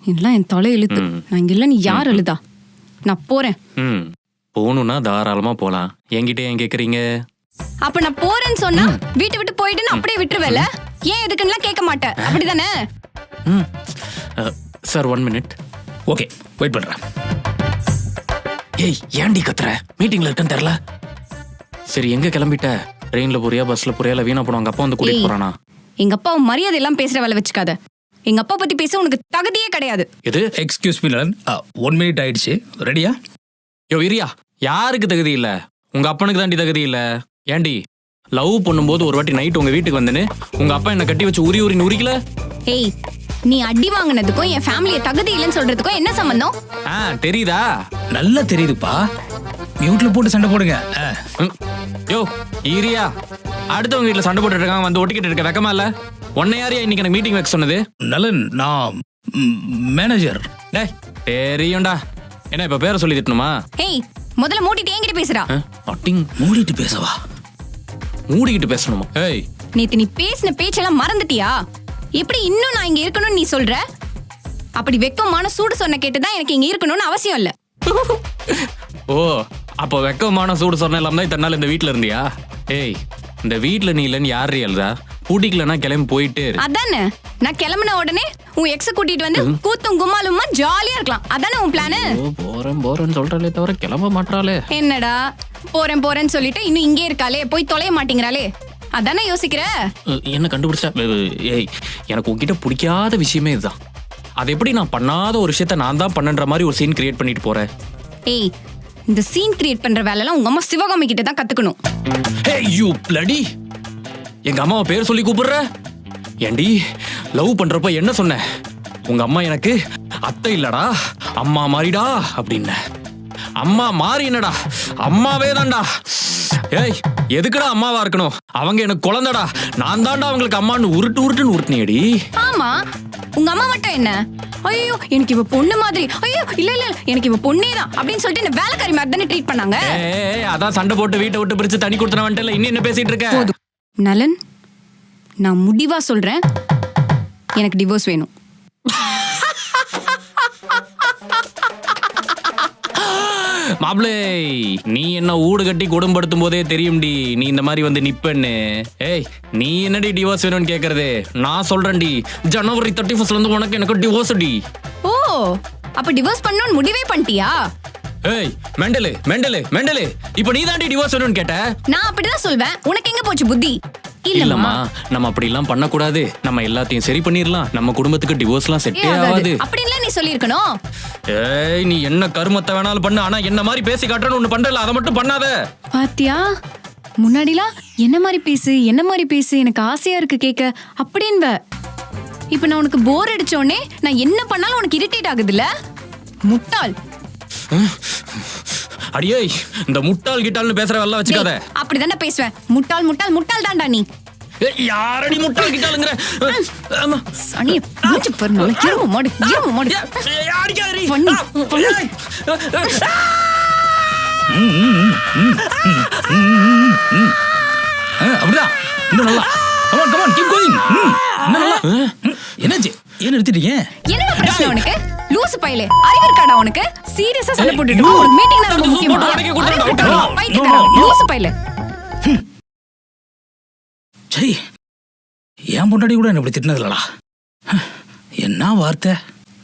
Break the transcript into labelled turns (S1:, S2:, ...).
S1: இதெல்லாம் என் தலை இழுத்து. நான் இங்க இல்ல, நீ யார் எழுதா? நான் போறேன்.
S2: போகணும்னா தாராளமா போலாம். என்கிட்ட ஏன் கேக்குறீங்க?
S1: அப்ப நான் போறேன்னு சொன்னா வீட்டை விட்டு போயிட்டு அப்படியே விட்டுருவேல? ஏன் எதுக்குன்னா கேட்க மாட்டேன், அப்படிதானே?
S2: Sir 1 minute.
S3: ஓகே, வெயிட் பண்றேன்.
S2: ஏய், ஏன்டி கத்துற? மீட்டிங்ல இருக்கேன்னு தெரியல. சரி, எங்க கிளம்பிட்ட? ட்ரெயின்ல போறியா, பஸ்ல போறியா, இல்ல வீணா போன உங்க அப்பா வந்து கூட்டிட்டு போறானா?
S1: எங்க அப்பா மரியாதை எல்லாம் பேசுற வேலை வச்சுக்காத. எங்க அப்பா பத்தி பேச உனக்கு தகுதியே கிடையாது.
S2: எது?
S3: எக்ஸ்கியூஸ் மீ நலன், 1 மினிட் ஆயிடுச்சு. ரெடியா?
S2: யோ இரியா, யாருக்கு தகுதி இல்ல? உங்க அப்பனுக்கு தாண்டி தகுதி இல்ல. ஏண்டி, லவ் பண்ணும்போது ஒரு வாட்டி நைட் உங்க வீட்டுக்கு வந்தேன்னு உங்க அப்பா என்ன கட்டி வச்சு உரி உரிக்கல?
S1: ஏய், நீ அடி வாங்கினதுக்கும் என் ஃபேமிலிய தகுதி இல்லைன்னு சொல்றதுக்கும் என்ன சம்பந்தம்?
S2: தெரியுதா?
S3: நல்லா தெரியுதுப்பா. மியூட்ல போட்டு சண்டை போடுங்க.
S2: யோ இரியா, அடுத்தவங்க வீட்டுல சண்டை போட்டுட்டு இருக்காங்க, வந்து ஒட்டிக்கிட்டு இருக்க வெக்கமா இல்ல? உன்னை யாரையா இன்னைக்கு எனக்கு மீட்டிங் வைக்க சொன்னது?
S3: நலன், நான் மேனேஜர்.
S2: டேய், தெரியும்டா. என்ன இப்ப பேரை சொல்லி திட்டணுமா?
S1: ஏய், முதல்ல மூடிட்டு என்கிட்ட பேசுறா.
S2: அட்டிங்
S3: மூடிட்டு பேசவா?
S2: மூடிக்கிட்டு பேசணுமா? ஏய்,
S1: நேத்து நீ பேசின பேச்செல்லாம் மறந்துட்டியா? எப்படி இன்னும் நான் இங்க இருக்கணும்னு நீ சொல்ற? அப்படி வெக்கமான சூடு சொன்ன கேட்டுதான் எனக்கு இங்க இருக்கணும்னு அவசியம் இல்ல.
S2: ஓ, அப்போ வெக்கமான சூடு சொன்ன இல்லாம தான் இத்தனை நாள் இந்த வீட்டுல இருந்தியா? ஏய், இந்த வீட்டுல நீ இல்லன்னு யாரு எழுதா? கூட்டிக்கலன்னா கிளம்பி போயிட்டே இரு.
S1: அதானே, நான் கிளம்பின உடனே உன் எக்ஸ கூட்டிட்டு வந்து கூத்தும் கும்மாலுமா ஜாலியா இருக்கலாம். அதானே உன் பிளானு?
S2: போறேன்னு சொல்றாளே தவிர கிளம்ப மாட்டாளே.
S1: என்னடா போறேன்னு சொல்லிட்டு இன்னும் இங்கே இருக்காளே, போய் தொலைய மாட்டேங்கிறாளே, அதானே யோசிக்கிற?
S2: என்ன கண்டுபிடிச்சா? ஏய், எனக்கு உன்கிட்ட பிடிக்காத விஷயமே இதுதான். அது எப்படி நான் பண்ணாத ஒரு விஷயத்த நான் தான் பண்ணன்ற மாதிரி ஒரு சீன் கிரியேட் பண்ணிட்டு போறேன்.
S1: ஏய், இந்த சீன் கிரியேட் பண்ற வேலைலாம் உங்க அம்மா சிவகாமி கிட்ட தான் கத்துக்கணும்.
S2: ஏய் யூ பிளடி, எங்க அம்மாவை பேர் சொல்லி கூப்பிடுற? ஏண்டி, லவ் பண்றப்ப என்ன சொன்ன? உங்க அம்மா எனக்கு அத்தை இல்லடா, அம்மா மாறிடா அப்படின்னு. அம்மா மாறி என்னடா, அம்மாவே தான்டா. ஏய், எதுக்குடா அம்மாவா இருக்கணும்? அவங்க எனக்கு குழந்தைடா, நான் தான்டா அவங்களுக்கு அம்மான்னு உருட்டுன்னு உருட்டுனேடி.
S1: ஆமா, உங்க அம்மா மட்டும் என்ன, ஐயோ எனக்கு இவ பொண்ணு மாதிரி, ஐயோ இல்ல எனக்கு இவ பொண்ணே தான் அப்படின்னு சொல்லிட்டு என்ன வேலைக்காரி மாதிரி தானே ட்ரீட் பண்ணாங்க.
S2: அதான் சண்டை போட்டு வீட்டை விட்டு பிரிச்சு தனி கொடுத்தன வந்துட்டல, இன்னும் என்ன பேசிட்டு இருக்க?
S1: நலன், நான் முடிவா சொல்றேன், எனக்கு டிவோர்ஸ் வேணும்.
S2: மாப்ளே, நீ என்ன ஊடு கட்டி குடும்பப்படுத்தும் போதே தெரியும்டி நீ இந்த மாதிரி வந்து நிப்பன்னு. ஏய், நீ என்னடி டிவோர்ஸ் வேணும்னு கேக்குறது? நான் சொல்றேன்டி, ஜனவரி 31 இருந்து உனக்கு எனக்கு டிவோர்ஸ் டி.
S1: ஓ, அப்ப டிவோர்ஸ் பண்ணணும்னு முடிவே பண்ணிட்டியா?
S2: ஏய், மெண்டலு, இப்போ நீ தாண்டி டிவோர்ஸ் வேணும்னு கேட்ட.
S1: நான் அப்படிதான் சொல்வேன், உனக்கு எங்க போச்சு புத்தி?
S2: இல்லம்மா, நம்ம அப்படி எல்லாம் பண்ண கூடாது. நம்ம எல்லாத்தையும் சரி பண்ணிரலாம். நம்ம குடும்பத்துக்கு டிவோர்ஸ்லாம் செட்டே ஆகாது.
S1: அப்படிலாம் நீ சொல்லிருக்கணும்.
S2: ஏய், நீ என்ன கருமத்தை வேணாலும் பண்ணு, ஆனா என்ன மாதிரி பேசி காட்டறன்னு ஒண்ணு பண்றல, அத மட்டும் பண்ணாத.
S1: பாத்தியா, முன்னாடிலாம் என்ன மாதிரி பேசு எனக்கு ஆசையா இருக்கு கேக்க அப்படின்வ. இப்ப நான் உனக்கு போர் அடிச்சோனே நான் என்ன பண்ணாலும் உனக்கு இரிட்டேட் ஆகுதுல்ல? முட்டாள்.
S2: அடியே, இந்த முட்டாள் கிட்டால்னு பேசுற வெல்ல வச்சுக்காத.
S1: அப்படிதானே பேசுவேன். முட்டாள் தான்டா நீ.
S2: யாரடி முட்டாள் கிட்டாலுங்கற? ஆமா,
S1: சனி மூச்சு பர்னால இரும மாடு.
S2: யாரிக்காரி?
S1: பண்ணி.
S3: அப்படிதான். இன்னும் நல்லா. Come on, keep going. நல்லா. என்னாச்சு? ஏன் நிறுத்திட்டீங்க?
S1: என்ன பிரச்சனை உனக்கு? லூசு பையலே, அறிவு இருக்காடா உனக்கு? சீரியஸா சண்டை போட்டுட்டு ஒரு மீட்டிங்ல ரொம்ப முக்கியமா. லூசு பையலே.
S3: சரி, என் பொண்டாட்டி கூட என்ன இப்படி திட்டினது இல்லடா. என்ன வார்த்தை?